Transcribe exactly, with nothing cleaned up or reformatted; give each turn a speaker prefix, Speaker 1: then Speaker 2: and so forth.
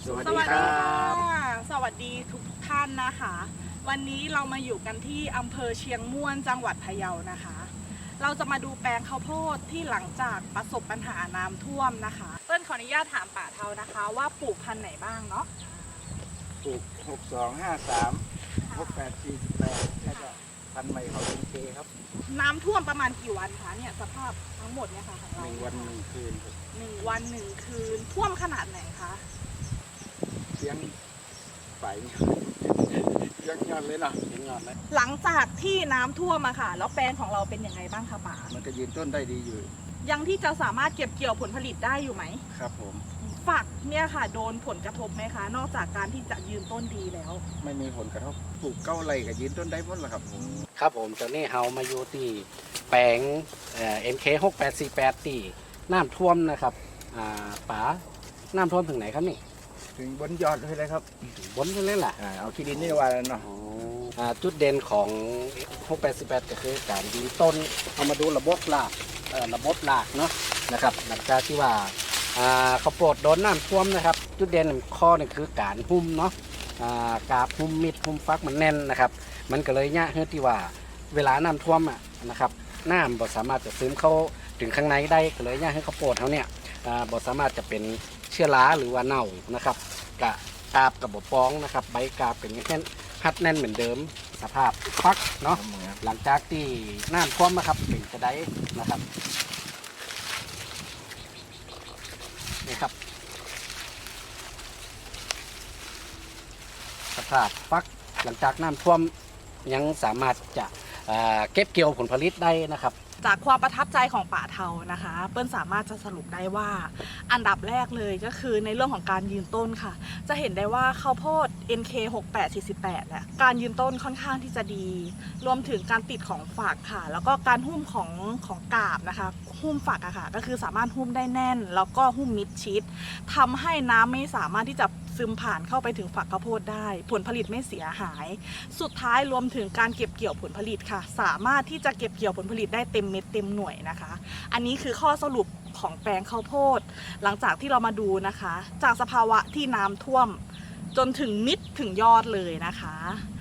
Speaker 1: สวัส
Speaker 2: ส
Speaker 1: ดี
Speaker 2: วัส
Speaker 1: ค
Speaker 2: ดี
Speaker 1: รั
Speaker 2: ค่ะ
Speaker 1: บ
Speaker 2: สวัสดีทุกท่านนะคะ วันนี้เรามาอยู่กันที่อำเภอเชียงม่วนจังหวัดพะเยานะคะ เราจะมาดูแปลงข้าวโพดที่หลังจากประสบปัญหาน้ำท่วมนะคะเปิ้ลขออนุญาตถามป่าเทานะคะ ว่าปลูกพันธุ์ไหนบ้างเนาะ
Speaker 1: ปลูกหกสองห้าสามหกแปดสี่แปดแล้วก็พันธุ์ใหม่เขาเป็นเคครับ
Speaker 2: น้ำท่วมประมาณกี่วันคะเนี่ยสภาพทั้งหมดเนี่ยค่ะของ
Speaker 1: ห
Speaker 2: เรา
Speaker 1: นึ่งวันหนึ่งคืนครับ
Speaker 2: หนึ่งวันหนึ่งคืนท่วมขนาดไหนคะ
Speaker 1: เสียงไฟเสียงยอดเลยเนาะเสียงยอดเลย
Speaker 2: หลังจากที่น้ำท่วมอะค่ะแล้วแปลงของเราเป็นยังไงบ้างคะป่า
Speaker 1: มันก็ยืนต้นได้ดีอยู่
Speaker 2: ยังที่จะสามารถเก็บเกี่ยวผลผลิตได้อยู่ไหม
Speaker 1: ครับผม
Speaker 2: ฝักเนี่ยค่ะโดนผลกระทบไหมคะ นอกจากการที่จะยืนต้นดีแล้ว
Speaker 1: ไม่มีผลกระทบปลูกเก้าไร่ก็ยืนต้นได้หมดแล้วครับผม
Speaker 3: ครับผมตอนนี้เฮามาอยู่ที่แปลงเอ็มเคหกแปดสี่แปดที่น้ำท่วมนะครับอ่าป๋าน้ำท่วมถึงไหนครับนี่
Speaker 1: ถึงบนยอดเลยเลยครับ
Speaker 3: บนเลยล่ะ
Speaker 1: อ่าเอาขี้ดินนี่ว่าแล้วเนาะ
Speaker 3: อ๋ออ่าจุดเด่นของหกแปดสี่แปดก็คือการยิงต้นเอามาดูระบบรากเอ่อระบบรากเนาะนะครับหลังจากที่ว่าอ่าข้าวโพดโดนน้ำท่วมนะครับ จุดเด่นข้อหนึงคือการหุ้มเนาะอ่ากาบหุ้มมิดหุ้มฟักมันแน่นนะครับ มันก็เลยยากเฮือที่ว่าเวลาน้ำท่วมอ่ะนะครับน้ำบ่สามารถจะซึมเข้าถึงข้างในได้ก็เลยยากให้ข้าวโพดเขาเนี่ยอ่าบ่สามารถจะเป็นเชื้อราหรือว่าเน่านะครับกะกาบกับบ่ป้องนะครับใบกาบเป็นแค่ฮัดแน่นเหมือนเดิมสภาพฟักเนาะหลังจากที่น้ำท่วมนะครับเป็นกระไดนะครับนี่ครับสภาพฟักหลังจากน้ำท่วมยังสามารถจะเอ่อเก็บเกี่ยวผลผลิตได้นะครับ
Speaker 2: จากความประทับใจของป่าเทานะคะ เปิ้ลสามารถจะสรุปได้ว่าอันดับแรกเลยก็คือในเรื่องของการยืนต้นค่ะ จะเห็นได้ว่าข้าวโพด เอ็น เค หกแปดสี่แปด เนี่ยการยืนต้นค่อนข้างที่จะดี รวมถึงการติดของฝักค่ะ แล้วก็การหุ้มของของกาบนะคะ หุ้มฝักอะค่ะก็คือสามารถหุ้มได้แน่น แล้วก็หุ้มมิดชิดทำให้น้ำไม่สามารถที่จะซึมผ่านเข้าไปถึงฝักข้าวโพดได้ ผลผลิตไม่เสียหาย สุดท้ายรวมถึงการเก็บเกี่ยวผลผลิตค่ะ สามารถที่จะเก็บเกี่ยวผลผลิตได้เต็มเม็ดเต็มหน่วยนะคะ อันนี้คือข้อสรุปของแปลงข้าวโพด หลังจากที่เรามาดูนะคะ จากสภาวะที่น้ำท่วม จนถึงมิดถึงยอดเลยนะคะ